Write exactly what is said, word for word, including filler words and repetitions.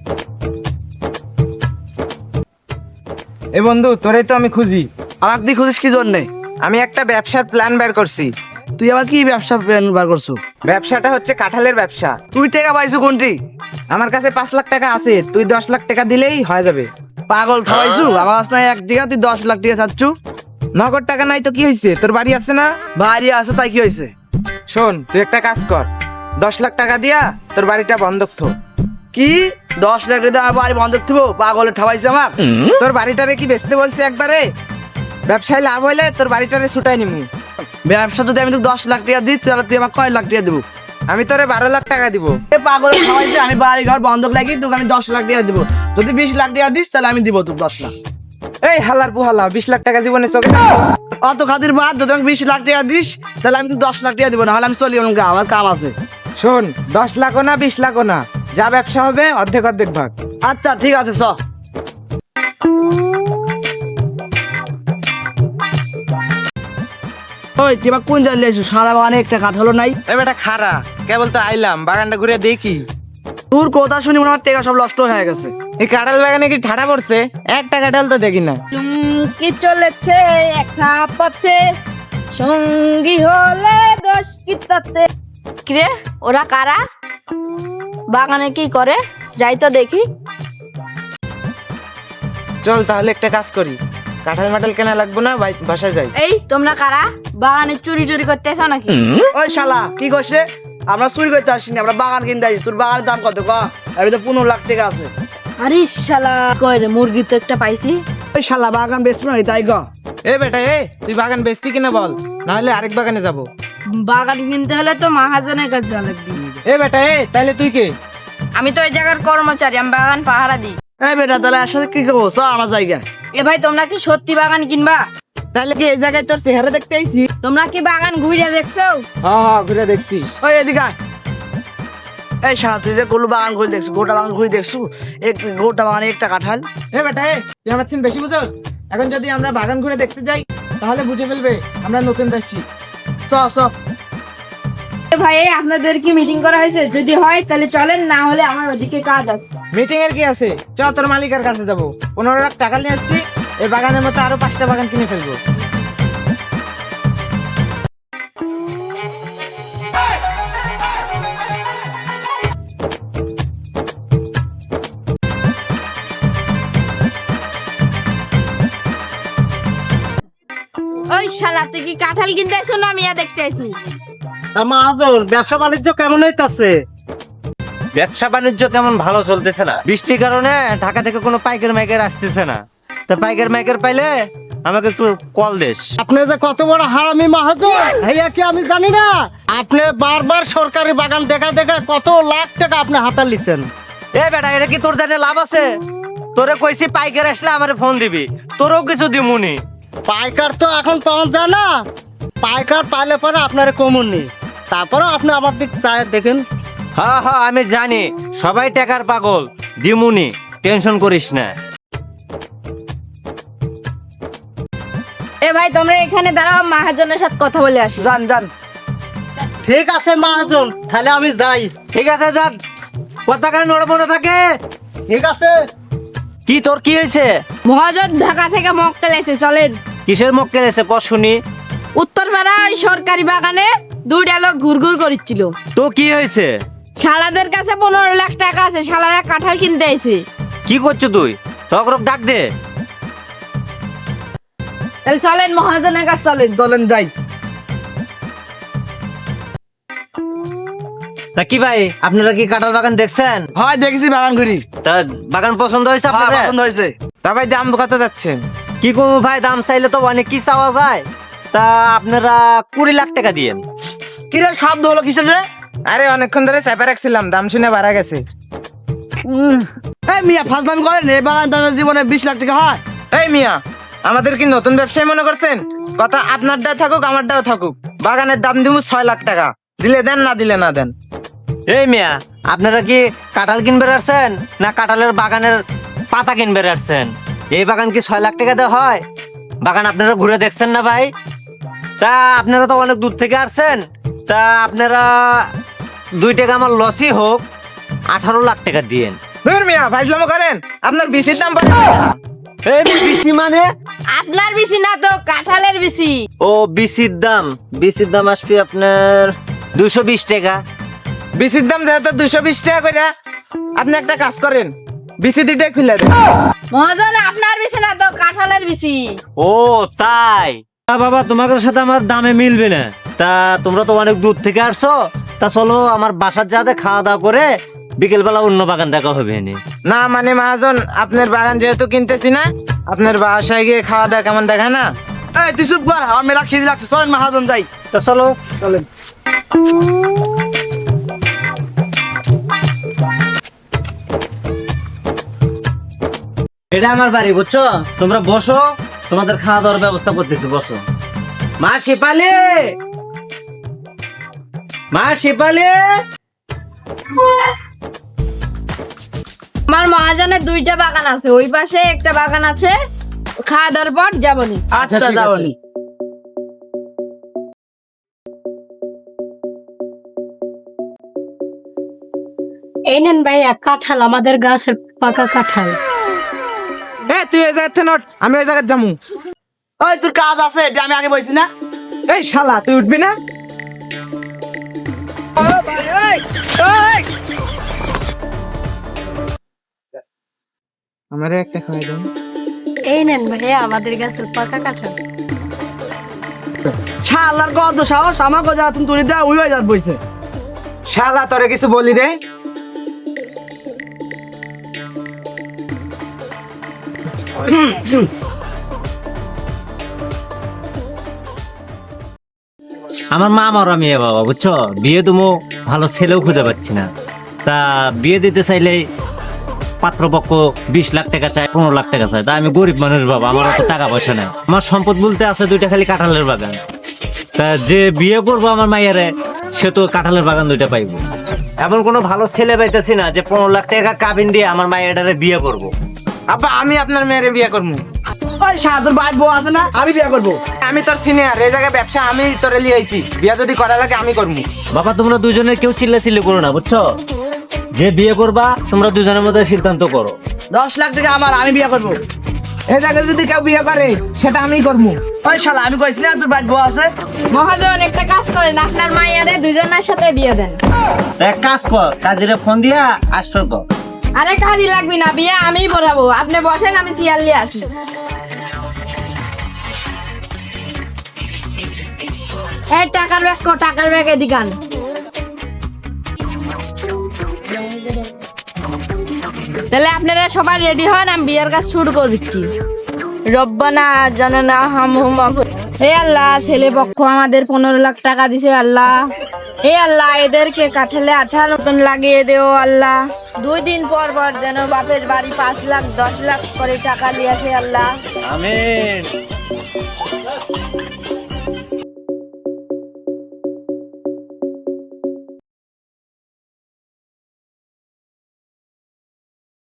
এ বন্ধু, তোরেই তো আমি খুঁজি। আমাকে তুই খুঁজিস কি জন্যে? আমি একটা ব্যবসার প্ল্যান বের করছি। তুই আবার কি ব্যবসা প্ল্যান বার করছো? ব্যবসাটা হচ্ছে কাঁঠালের ব্যবসা। তুই টাকা পাইছো কোনটি? আমার কাছে পাঁচ লাখ টাকা আছে, তুই দশ লাখ টাকা দিলেই হয়ে যাবে। পাগল থামাইছু? আমার কাছে নাই এক টাকা, তুই দশ লাখ টাকা চাচ্ছু? নগদ টাকা নাই তো কি হয়েছে? তোর বাড়ি আছে না? বাড়ি আছে তাই কি হয়েছে? শোন, তুই একটা কাজ কর, দশ লাখ টাকা দিয়া তোর বাড়িটা বন্ধক থো। কি দশ লাখ টাকা দিয়ে আমার বাড়ি বন্ধ থাকবো? পাগলে ঠাবাইছে আমার। তোর বাড়িটারে কি বেচতে বলছে একবারে? ব্যবসায় লাভ হইলে তোর বাড়িটারে ছুটাই নিমু। ব্যবসা যদি আমি তোকে দশ লাখ টাকা দিই তাহলে তুই আমার কয় লাখ টাকা দেবো? আমি তোরে বারো লাখ টাকা দিব। এ পাগলে ঠাবাইছে, আমি বাড়ি ঘর বন্ধক লাগি তোকে আমি দশ লাখ টাকা দেবো। যদি বিশ লাখ টাকা দিস তাহলে আমি দিব তোকে দশ লাখ। এই হালার পুহালা, বিশ লাখ টাকা জীবনে চোখে অত খাতির বাদ, যদি আমি বিশ লাখ টাকা দিস তাহলে আমি তো দশ লাখ টাকা দিব, না হলে আমি চলি অনেক, আমার কাম আছে। শোন, দশ লাখও না বিশ লাখও না, যা ব্যবসা হবে অর্ধেক অর্ধেক ভাগ। আচ্ছা ঠিক আছে, চ। ওই তুই এবার কোন জায়গায় এসো? সারা বাগানে একটা কাঁঠালও নাই। এই বেটা খারা, কেবল তো আইলাম, বাগানটা ঘুরে দেখি। তোর কথা শুনি মনে হয় টাকা সব নষ্ট হয়ে গেছে। এই কাঁঠাল বাগানে কি ঠাড়া পড়ছে? একটা কাঁঠাল তো দেখি না। চুমকি চলেছে একা পথে, সঙ্গী হলে দোষ কি তাতে। কিরে, ওরা কারা? বাগানে কি করে? যাই তো দেখি। চল তাহলে একটা কাজ করি, কাঁঠাল মাঠাল কেনা লাগবো না, বাই- বাসায় যাই। এই তোমরা কারা? বাগানে চুরি চুরি করতেছো নাকি? ওই শালা কি করছে? আমরা চুরি করতে আসিনি, আমরা বাগান কিনতে আসি। তোর বাগানের দাম কত? ক আর তো পনেরো লাখ টাকা আছে। আরে শালা, কয় রে, মুরগি তো একটা পাইছি। ওই শালা বাগান বেচবো না তাই ক। এ বেটা, এ তুই বাগান বেচবি কিনা বল, নাহলে আরেক বাগানে যাব। বাগান কিনতে হলে তো মহাজনের কাছে যাওয়া লাগবে। এ বেটা, এ তাইলে তুই কে? আমি তো এই জায়গার কর্মচারী, আমি বাগান পাহারা দিই। এই বেটা তাহলে একসাথে কি করবো? চ আমার জায়গা। এ ভাই, তোমরা কি সত্যি বাগান কিনবা? তাহলে কি এই জায়গায় তোর চেহারা দেখতে আইছি? তোমরা কি বাগান ঘুরে দেখছো? হ্যাঁ হ্যাঁ, ঘুরে দেখছি। ওই এদিকে আয়। এই শালা তুই যে গরু বাগান ঘুরে দেখছু, গোটা বাগান ঘুরে দেখছু, এক গোটা বাগানে একটা কাঁঠাল। এ বেটা, এ তুই আমার থেকে বেশি বুঝোস। এখন যদি আমরা বাগান ঘুরে দেখতে যাই তাহলে বুঝে ফেলবে আমরা নতুন ব্যবসী। চ চ। এ ভাই, এই আপনাদের কি মিটিং করা হয়েছে? যদি হয় তাহলে চলেন, না হলে আমার ওদিকে কাজ আছে। মিটিং এর কি আছে? চ তোর মালিকের কাছে যাবো। পনেরো লাখ টাকা নিয়ে আসছি, এই বাগানের মতো আরো পাঁচটা বাগান কিনে ফেলবো। ওই শালা, তুই কি কাঁঠাল কিনতে আইছো না মিয়া দেখতে আইছো? মাহাজন, ব্যবসা বাণিজ্য কেমন হইতাছে? ব্যবসা বাণিজ্য তেমন ভালো চলতেছে না, বৃষ্টির কারণে ঢাকা থেকে কোনো পাইকার মাইকার আসতেছে না। তা পাইকার মাইকার পাইলে আমাকে একটু কল দেস। আপনি যে কত বড় হারামি মাহাজন, ভাইয়া কি আমি জানি না? আপনি বারবার সরকারি বাগান দেখা দেখা কত লাখ টাকা আপনি হাতাল লিছেন। এ বেটা, এটা কি তোর জানে লাভ আছে? তোরে কইছি পাইকার আসলে আমারে ফোন দিবি, তোরও কিছু দিমুনি। পাইকার তো এখন পাওয়া যায় না, পাইকার পাইলে পরে আপনার কমন নেই। তারপরে আপনি আমার দিক চায় দেখেন। হ্যাঁ হ্যাঁ, আমি জানি সবাই টাকার পাগল, দিমুনি, টেনশন করিস না। এ ভাই, তোমরা এখানে দাঁড়াও, মহাজনের সাথে কথা বলে আসি। জান জান। ঠিক আছে মাহাজন, তাহলে আমি যাই। ঠিক আছে, যান, পতাকা নড়বড়ে থাকে। ঠিক আছে। কি তোর কি হয়েছে? মহাজন ঢাকা থেকে মক্কেল এসে, চলেন। কিসের মক্কেল এসে ক শুনি? উত্তরপাড়া ওই সরকারি বাগানে দুইটা লোক ঘুরঘুর করছিল। তো কি হয়েছে? শালাদের কাছে পনেরো লাখ টাকা আছে, শালারা কাঁঠাল কিনতে আইছে। কি করছো তুই? তখন ডাক দে। তাহলে চলেন, মহাজনের কাছে চলেন। চলেন যাই। তা কি ভাই, আপনারা কি কাঁঠাল বাগান দেখছেন? হয় দেখেছি বাগান ঘুরি। তা বাগান পছন্দ হয়েছে হ্যাঁ, আপনাদের? পছন্দ হয়েছে। তা ভাই দাম কত যাচ্ছেন? কি করবো ভাই, দাম চাইলে তো অনেক কি চাওয়া যায়। তা আপনারা কুড়ি লাখ টাকা দিয়েন। কিরে শব্দ হলো কিসের রে? আরে অনেকক্ষণ ধরে চাপে রাখছিলাম, দাম শুনে বাড়া গেছে। উম, এই মিয়া ফাজলামি করেন, এই বাগান দামের জীবনে বিশ লাখ টাকা হয়? এই মিয়া, আমাদের কি নতুন ব্যবসায়ী মনে করছেন? কথা আপনারটা থাকুক আমারটাও থাকুক, বাগানের দাম দিব ছয় লাখ টাকা, দিলে দেন, না দিলে না দেন। এই মিয়া, আপনারা কি কাঁঠাল কিনবে আসছেন না কাঁঠালের বাগানের পাতা কিনবে আসছেন? এই বাগান কি ছয় লাখ টাকা দেওয়া হয়? বাগান আপনারা ঘুরে দেখছেন না ভাই? তা আপনারা তো অনেক দূর থেকে আসছেন, তা আপনারা দুই টাকা আমার লসই হোক, আঠারো লাখ টাকা দিয়েন। ধুর মিয়া ফাইজলামো করেন, আপনার বিসির দাম পড়ে এই বিসি মানে? আপনার বিচি না তো কাঁঠালের বিচি। ও বিসির দাম, বিসির দাম আসবে আপনার দুশো বিশ টাকা। বিসির দাম যেহেতু দুশো বিশ টাকা করে, আপনি একটা কাজ করেন, বিসি দুইটাই খুলে দেন। মহাজন আপনার বিচি না তো কাঁঠালের বিচি। ও তাই? তা বাবা তোমাদের সাথে আমার দামে মিলবে না। তা তোমরা তো অনেক দূর থেকে আসছো, তা চলো আমার বাসার যাতে খাওয়া দাওয়া করে বিকেল বেলা অন্য বাগান দেখা হবে এনে। না মানে মহাজন, আপনার বাগান যেহেতু কিনতেছি না, আপনার বাসায় গিয়ে খাওয়া দাওয়া কেমন দেখায় না? এই তুই চুপ কর, আমার মেলা খিদে লাগছে, চলেন মহাজন যাই। তা চলো। এটা আমার বাড়ি বুঝছো, তোমরা বসো, তোমাদের খাওয়া দাওয়ার ব্যবস্থা করতেছি, বসো। মা শেপালি, মা শেপালি। আমার মহাজনের দুইটা বাগান আছে, ওই পাশে একটা বাগান আছে, খাওয়া দাওয়ার পর যাবনি। আচ্ছা ঠিক আছে। যাবনি। এই নেন ভাইয়া কাঁঠাল, আমাদের গাছের পাকা কাঁঠাল। এ তুই এই জায়গাতে নট, আমি ওই জায়গায় যাবো। ওই তোর কাজ আছে, এটা আমি আগে বলছি না। এই শালা তুই উঠবি না? আমারে একটা খাওয়াই দেন। এই নেন ভাইয়া আমাদের গাছের পাকা কাঁঠাল। শালার কত সাহস, আমাকে যা তুমি তুলি দেওয়া ওই যার বইছে। শালা তোরে কিছু বলি রে? আমার মা আমার মেয়ে বাবা বুঝছো, বিয়ে তুমি ভালো ছেলেও খুঁজে পাচ্ছি না। তা বিয়ে দিতে চাইলে পাত্রপক্ষ বিশ লাখ টাকা চায়, পনেরো লাখ টাকা চায়। তা আমি গরিব মানুষ বাবা, আমার অত টাকা পয়সা নাই। আমার সম্পদ বলতে আছে দুইটা খালি কাঁঠালের বাগান। তা যে বিয়ে করবো আমার মাইয়ারে, সে তো কাঁঠালের বাগান দুইটা পাইবো। এমন কোনো ভালো ছেলে পাইতেছি না যে পনেরো লাখ টাকা কাবিন দিয়ে আমার মাইয়াটারে বিয়ে করবো। আব্বা আমি আপনার মেয়েরে বিয়ে করবো। ওই শালা তোর বাইর বউ আছে না, আমি বিয়ে করবো। আমি তোর সিনিয়র, এই জায়গায় ব্যবসা আমি তোরে লিয়ে আইছি, বিয়ে যদি করা লাগে আমি করবো। বাবা তোমরা দুজনের কেউ চিল্লা চিল্লি করো না বুঝছো, যে বিয়ে করবা তোমরা দুজনের মধ্যে সিদ্ধান্ত করো। দশ লাখ টাকা আমার, আমি বিয়ে করবো। এই জায়গায় যদি কেউ বিয়ে করে সেটা আমি করবো। ওই শালা আমি কইছি না তোর বাইর বউ আছে। মহাজন একটা কাজ করেন, আপনার মাইয়ারে দুজনের সাথে বিয়ে দেন। এক কাজ কর, কাজিরে ফোন দিয়া আসবে কর। আরে কাজই লাগবে না, বিয়ে আমিই পড়াবো, আপনি বসেন, আমি চেয়ার নিয়ে আসি। এই টাকার ব্যাগ কো, টাকার ব্যাগ এদিকান। তাহলে আপনারা সবাই রেডি হন, আমি বিয়ের কাজ শুরু করে দিচ্ছি। রব্বানা জানানা হামহুম হে আল্লাহ, ছেলে পক্ষ আমাদের পনেরো লাখ টাকা দিছে আল্লাহ। হে আল্লাহ, এদেরকে কাঠালে আঠার মতন লাগিয়ে দেও আল্লাহ। দুই দিন পর পর যেন বাপের বাড়ি পাঁচ লাখ দশ লাখ করে টাকা নিয়ে আসে আল্লাহ। আমিন।